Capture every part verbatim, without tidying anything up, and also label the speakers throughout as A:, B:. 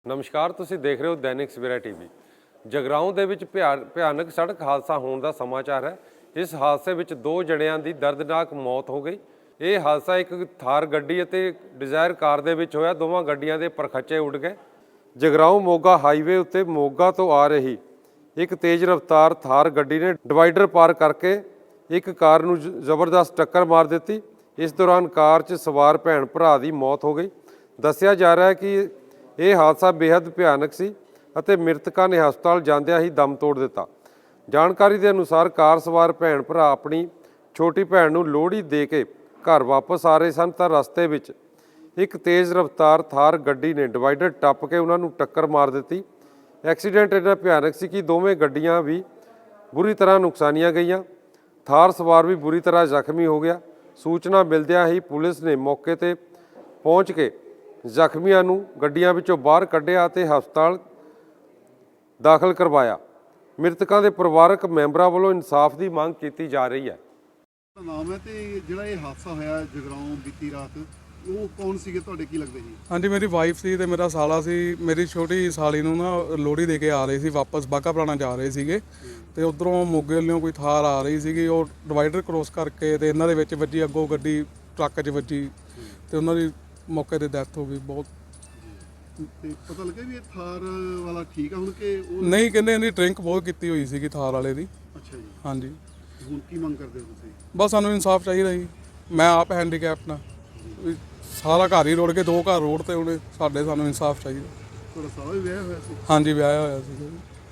A: ਨਮਸਕਾਰ, ਤੁਸੀਂ ਦੇਖ ਰਹੇ ਹੋ ਦੈਨਿਕ ਸਵੇਰਾ ਟੀਵੀ। ਜਗਰਾਉਂ ਦੇ ਵਿੱਚ ਭਿਆਨਕ ਸੜਕ ਹਾਦਸਾ ਹੋਣ ਦਾ ਸਮਾਚਾਰ ਹੈ। ਇਸ ਹਾਦਸੇ ਵਿੱਚ ਦੋ ਜਣਿਆਂ ਦੀ ਦਰਦਨਾਕ ਮੌਤ ਹੋ ਗਈ। ਇਹ ਹਾਦਸਾ ਇੱਕ ਥਾਰ ਗੱਡੀ ਅਤੇ ਡਿਜ਼ਾਇਰ ਕਾਰ ਦੇ ਵਿੱਚ ਹੋਇਆ। ਦੋਵਾਂ ਗੱਡੀਆਂ ਦੇ ਪਰਖੱਚੇ ਉੱਡ ਗਏ। ਜਗਰਾਉਂ ਮੋਗਾ ਹਾਈਵੇ ਉੱਤੇ ਮੋਗਾ ਤੋਂ ਆ ਰਹੀ ਇੱਕ ਤੇਜ਼ ਰਫ਼ਤਾਰ ਥਾਰ ਗੱਡੀ ਨੇ ਡਿਵਾਈਡਰ ਪਾਰ ਕਰਕੇ ਇੱਕ ਕਾਰ ਨੂੰ ਜ਼ਬਰਦਸਤ ਟੱਕਰ ਮਾਰ ਦਿੱਤੀ। ਇਸ ਦੌਰਾਨ ਕਾਰ 'ਚ ਸਵਾਰ ਭੈਣ ਭਰਾ ਦੀ ਮੌਤ ਹੋ ਗਈ। ਦੱਸਿਆ ਜਾ ਰਿਹਾ ਹੈ ਕਿ ਇਹ ਹਾਦਸਾ ਬੇहद ਭਿਆਨਕ ਸੀ ਅਤੇ ਮ੍ਰਿਤਕਾਂ ਨੇ ਹਸਪਤਾਲ ਜਾਂਦਿਆਂ ਹੀ ਦਮ ਤੋੜ ਦਿੱਤਾ। ਜਾਣਕਾਰੀ ਦੇ ਅਨੁਸਾਰ ਕਾਰ ਸਵਾਰ ਭੈਣ ਭਰਾ ਆਪਣੀ ਛੋਟੀ ਭੈਣ ਨੂੰ ਲੋਹੜੀ ਦੇ ਕੇ ਘਰ ਵਾਪਸ ਆ ਰਹੇ ਸਨ ਤਾਂ ਰਸਤੇ ਵਿੱਚ ਇੱਕ ਤੇਜ਼ ਰਫ਼ਤਾਰ ਥਾਰ ਗੱਡੀ ਨੇ ਡਿਵਾਈਡਰ ਟੱਪ ਕੇ ਉਹਨਾਂ ਨੂੰ ਟੱਕਰ ਮਾਰ ਦਿੱਤੀ। ਐਕਸੀਡੈਂਟ ਇੰਨਾ ਭਿਆਨਕ ਸੀ ਕਿ ਦੋਵੇਂ ਗੱਡੀਆਂ ਵੀ ਬੁਰੀ ਤਰ੍ਹਾਂ ਨੁਕਸਾਨੀਆਂ ਗਈਆਂ। ਥਾਰ ਸਵਾਰ ਵੀ ਬੁਰੀ ਤਰ੍ਹਾਂ ਜ਼ਖਮੀ ਹੋ ਗਿਆ। ਸੂਚਨਾ ਮਿਲਦਿਆਂ ਹੀ ਪੁਲਿਸ ਨੇ ਮੌਕੇ 'ਤੇ ਪਹੁੰਚ ਕੇ ਜ਼ਖਮੀਆਂ ਨੂੰ ਗੱਡੀਆਂ ਵਿੱਚੋਂ ਬਾਹਰ ਕੱਢਿਆ ਅਤੇ ਹਸਪਤਾਲ ਦਾਖਲ ਕਰਵਾਇਆ। ਮ੍ਰਿਤਕਾਂ ਦੇ ਪਰਿਵਾਰਕ ਮੈਂਬਰਾਂ ਵੱਲੋਂ ਇਨਸਾਫ ਦੀ ਮੰਗ ਕੀਤੀ ਜਾ ਰਹੀ ਹੈ।
B: ਨਾਮ ਹੈ ਤੇ ਜਿਹੜਾ ਇਹ ਹਾਦਸਾ ਹੋਇਆ ਜਗਰਾਉਂ ਬੀਤੀ ਰਾਤ, ਉਹ ਕੌਣ ਸੀਗੇ ਤੁਹਾਡੇ, ਕੀ ਲੱਗਦੇ ਸੀ?
C: ਹਾਂਜੀ, ਮੇਰੀ ਵਾਈਫ ਸੀ ਤੇ ਮੇਰਾ ਸਾਲਾ ਸੀ। ਮੇਰੀ ਛੋਟੀ ਸਾਲੀ ਨੂੰ ਨਾ ਲੋਹੜੀ ਦੇ ਕੇ ਆ ਰਹੇ ਸੀ, ਵਾਪਸ ਬਾਘਾ ਪੁਰਾਣਾ ਜਾ ਰਹੇ ਸੀਗੇ ਤੇ ਉਧਰੋਂ ਮੋਗੇ ਵੱਲੋਂ ਕੋਈ ਥਾਰ ਆ ਰਹੀ ਸੀਗੀ। ਉਹ ਡਿਵਾਈਡਰ ਕ੍ਰੋਸ ਕਰਕੇ ਤੇ ਇਹਨਾਂ ਦੇ ਵਿੱਚ ਵੱਜੀ, ਅੱਗੋਂ ਗੱਡੀ ਟਰੱਕ 'ਚ ਵੱਜੀ ਤੇ ਉਹਨਾਂ ਦੀ ਮੌਕੇ ਤੇ ਡੈਥ ਹੋ ਗਈ। ਬਹੁਤ
B: ਤੇ ਪਤਾ ਲੱਗਿਆ ਵੀ ਇਹ ਥਾਰ ਵਾਲਾ ਠੀਕ ਆ ਹੁਣ ਕਿ ਉਹ
C: ਨਹੀਂ, ਕਹਿੰਦੇ ਇਹਦੀ ਡਰਿੰਕ ਬਹੁਤ ਕੀਤੀ ਹੋਈ ਸੀਗੀ ਥਾਰ ਵਾਲੇ ਦੀ।
B: ਅੱਛਾ ਜੀ।
C: ਹਾਂਜੀ,
B: ਹੁਣ ਕੀ ਮੰਗ ਕਰਦੇ ਹੋ ਤੁਸੀਂ?
C: ਬਸ ਸਾਨੂੰ ਇਨਸਾਫ ਚਾਹੀਦਾ ਜੀ। ਮੈਂ ਆਪ ਹੈਂਡੀਕੈਪ ਨਾਲ ਸਾਰਾ ਘਰ ਹੀ ਰੋੜ ਕੇ ਦੋ ਘਰ ਰੋਡ ਤੇ ਉਹਨੇ ਸਾਡੇ, ਸਾਨੂੰ ਇਨਸਾਫ ਚਾਹੀਦਾ।
B: ਤੁਹਾਡਾ ਸਾਲਾ ਵੀ ਵਿਆਹ ਹੋਇਆ ਸੀ?
C: ਹਾਂਜੀ, ਵਿਆਹਿਆ ਹੋਇਆ ਸੀ।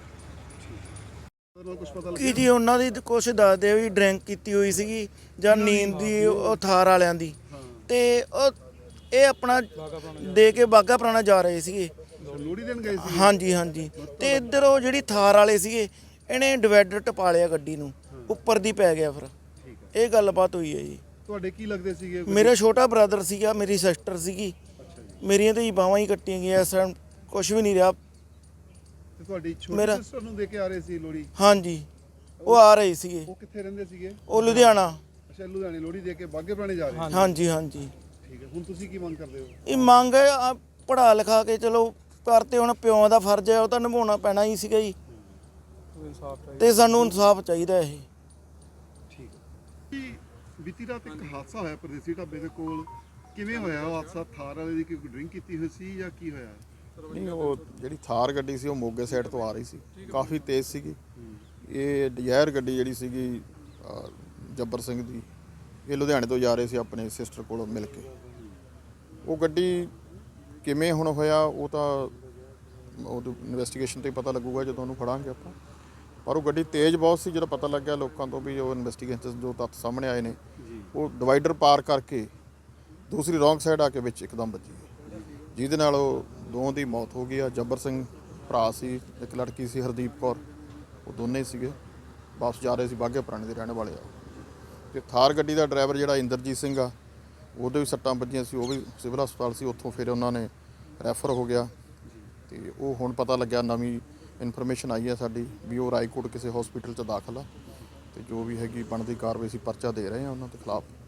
B: ਕੁਝ ਪਤਾ
D: ਕੀ ਜੀ ਉਹਨਾਂ ਦੀ ਕੁਛ ਦੱਸਦੇ ਵੀ ਡਰਿੰਕ ਕੀਤੀ ਹੋਈ ਸੀਗੀ ਜਾਂ ਨੀਂਦ ਦੀ, ਉਹ ਥਾਰ ਵਾਲਿਆਂ ਦੀ। ਤੇ ਉਹ ਇਹ ਆਪਣਾ ਦੇ ਕੇ ਬਾਘਾ ਪੁਰਾਣਾ ਜਾ ਰਹੇ ਸੀਗੇ,
B: ਲੋਹੜੀ ਦੇਣ ਗਏ ਸੀ?
D: ਹਾਂਜੀ ਹਾਂਜੀ। ਤੇ ਇੱਧਰ ਉਹ ਜਿਹੜੀ ਥਾਰ ਵਾਲੇ ਸੀਗੇ, ਇਹਨੇ ਡਿਵਾਈਡਰ ਟਪਾ ਲਿਆ ਗੱਡੀ ਨੂੰ, ਉੱਪਰ ਦੀ ਪੈ ਗਿਆ। ਫਿਰ ਇਹ ਗੱਲਬਾਤ ਹੋਈ ਹੈ ਜੀ।
B: ਤੁਹਾਡੇ ਕੀ ਲੱਗਦੇ ਸੀਗੇ?
D: ਮੇਰਾ ਛੋਟਾ ਬ੍ਰਦਰ ਸੀਗਾ, ਮੇਰੀ ਸਿਸਟਰ ਸੀਗੀ। ਮੇਰੀਆਂ ਤੇ ਬਾਹਾਂ ਹੀ ਕੱਟੀਆਂ ਗਈਆਂ, ਇਸ ਟਾਈਮ ਕੁਛ ਵੀ ਨਹੀਂ ਰਿਹਾ।
B: ਤੇ ਤੁਹਾਡੀ ਛੋਟੀ ਸਿਸਟਰ ਨੂੰ ਦੇ ਕੇ ਆ ਰਹੇ ਸੀ ਲੋਹੜੀ?
D: ਹਾਂਜੀ, ਉਹ ਆ ਰਹੇ ਸੀਗੇ।
B: ਉਹ ਕਿੱਥੇ ਰਹਿੰਦੇ ਸੀਗੇ?
D: ਉਹ ਲੁਧਿਆਣਾ।
B: ਅੱਛਾ, ਲੁਧਿਆਣੇ ਲੋਹੜੀ ਦੇ ਕੇ ਬਾਘੇ ਪੁਰਾਣੇ ਜਾ ਰਹੇ?
D: ਹਾਂਜੀ ਹਾਂਜੀ।
B: ਠੀਕ ਹੈ, ਹੁਣ ਤੁਸੀਂ ਕੀ ਮੰਗ ਕਰਦੇ ਹੋ?
D: ਇਹ ਮੰਗ ਹੈ ਪੜ੍ਹਾ ਲਿਖਾ ਕੇ ਚਲੋ ਕਰਤੇ, ਹੁਣ ਪਿਓ ਦਾ ਫਰਜ਼ ਹੈ, ਉਹ ਤਾਂ ਨਿਭਾਉਣਾ ਪੈਣਾ ਹੀ ਸੀਗਾ ਜੀ। ਤੇ ਸਾਨੂੰ ਇਨਸਾਫ ਚਾਹੀਦਾ ਇਹ।
B: ਠੀਕ ਹੈ। ਬੀਤੀ ਰਾਤ ਇੱਕ ਹਾਦਸਾ ਹੋਇਆ ਪਰਦੇਸੀ ਢਾਬੇ ਦੇ ਕੋਲ, ਕਿਵੇਂ ਹੋਇਆ ਉਹ ਹਾਦਸਾ? ਥਾਰ ਵਾਲੇ ਦੀ ਕੋਈ ਡਰਿੰਕ ਕੀਤੀ ਹੋਈ ਸੀ ਜਾਂ ਕੀ ਹੋਇਆ?
E: ਨਹੀਂ, ਉਹ ਜਿਹੜੀ ਥਾਰ ਗੱਡੀ ਸੀ ਉਹ ਮੋਗੇ ਸਾਈਡ ਤੋਂ ਆ ਰਹੀ ਸੀ, ਕਾਫੀ ਤੇਜ਼ ਸੀਗੀ। ਇਹ ਡਿਜ਼ਾਇਰ ਗੱਡੀ ਜਿਹੜੀ ਸੀਗੀ ਜੱਬਰ ਸਿੰਘ ਦੀ, ਇਹ ਲੁਧਿਆਣੇ ਤੋਂ ਜਾ ਰਹੇ ਸੀ ਆਪਣੇ ਸਿਸਟਰ ਕੋਲੋਂ ਮਿਲ ਕੇ। ਉਹ ਗੱਡੀ ਕਿਵੇਂ ਹੁਣ ਹੋਇਆ ਉਹ ਤਾਂ ਉਹ ਇਨਵੈਸਟੀਗੇਸ਼ਨ 'ਤੇ ਪਤਾ ਲੱਗੂਗਾ ਜਦੋਂ ਉਹਨੂੰ ਫੜਾਂਗੇ ਆਪਾਂ। ਪਰ ਉਹ ਗੱਡੀ ਤੇਜ਼ ਬਹੁਤ ਸੀ। ਜਦੋਂ ਪਤਾ ਲੱਗਿਆ ਲੋਕਾਂ ਤੋਂ ਵੀ ਉਹ ਇਨਵੈਸਟੀਗੇਸ਼ਨ ਜੋ ਤੱਥ ਸਾਹਮਣੇ ਆਏ ਨੇ, ਉਹ ਡਿਵਾਈਡਰ ਪਾਰ ਕਰਕੇ ਦੂਸਰੀ ਰੌਂਗ ਸਾਈਡ ਆ ਕੇ ਵਿੱਚ ਇੱਕਦਮ ਵੱਜੀ, ਜਿਹਦੇ ਨਾਲ ਉਹ ਦੋਵਾਂ ਦੀ ਮੌਤ ਹੋ ਗਈ ਆ। ਜੱਬਰ ਸਿੰਘ ਭਰਾ ਸੀ, ਇੱਕ ਲੜਕੀ ਸੀ ਹਰਦੀਪ ਕੌਰ, ਉਹ ਦੋਨੇ ਸੀਗੇ ਵਾਪਸ ਜਾ ਰਹੇ ਸੀ, ਬਾਘੇ ਪੁਰਾਣੇ ਦੇ ਰਹਿਣ ਵਾਲੇ ਆ। ਅਤੇ ਥਾਰ ਗੱਡੀ ਦਾ ਡਰਾਈਵਰ ਜਿਹੜਾ ਇੰਦਰਜੀਤ ਸਿੰਘ ਆ, ਉਹਦੇ ਵੀ ਸੱਟਾਂ ਵੱਜੀਆਂ ਸੀ, ਉਹ ਵੀ ਸਿਵਲ ਹਸਪਤਾਲ ਸੀ। ਉੱਥੋਂ ਫਿਰ ਉਹਨਾਂ ਨੇ ਰੈਫਰ ਹੋ ਗਿਆ। ਅਤੇ ਉਹ ਹੁਣ ਪਤਾ ਲੱਗਿਆ, ਨਵੀਂ ਇਨਫੋਰਮੇਸ਼ਨ ਆਈ ਹੈ ਸਾਡੀ ਵੀ ਉਹ ਰਾਏਕੋਟ ਕਿਸੇ ਹਸਪੀਟਲ 'ਚ ਦਾਖਲ ਆ। ਅਤੇ ਜੋ ਵੀ ਹੈਗੀ ਬਣਦੀ ਕਾਰਵਾਈ ਅਸੀਂ ਪਰਚਾ ਦੇ ਰਹੇ ਹਾਂ ਉਹਨਾਂ ਦੇ ਖਿਲਾਫ।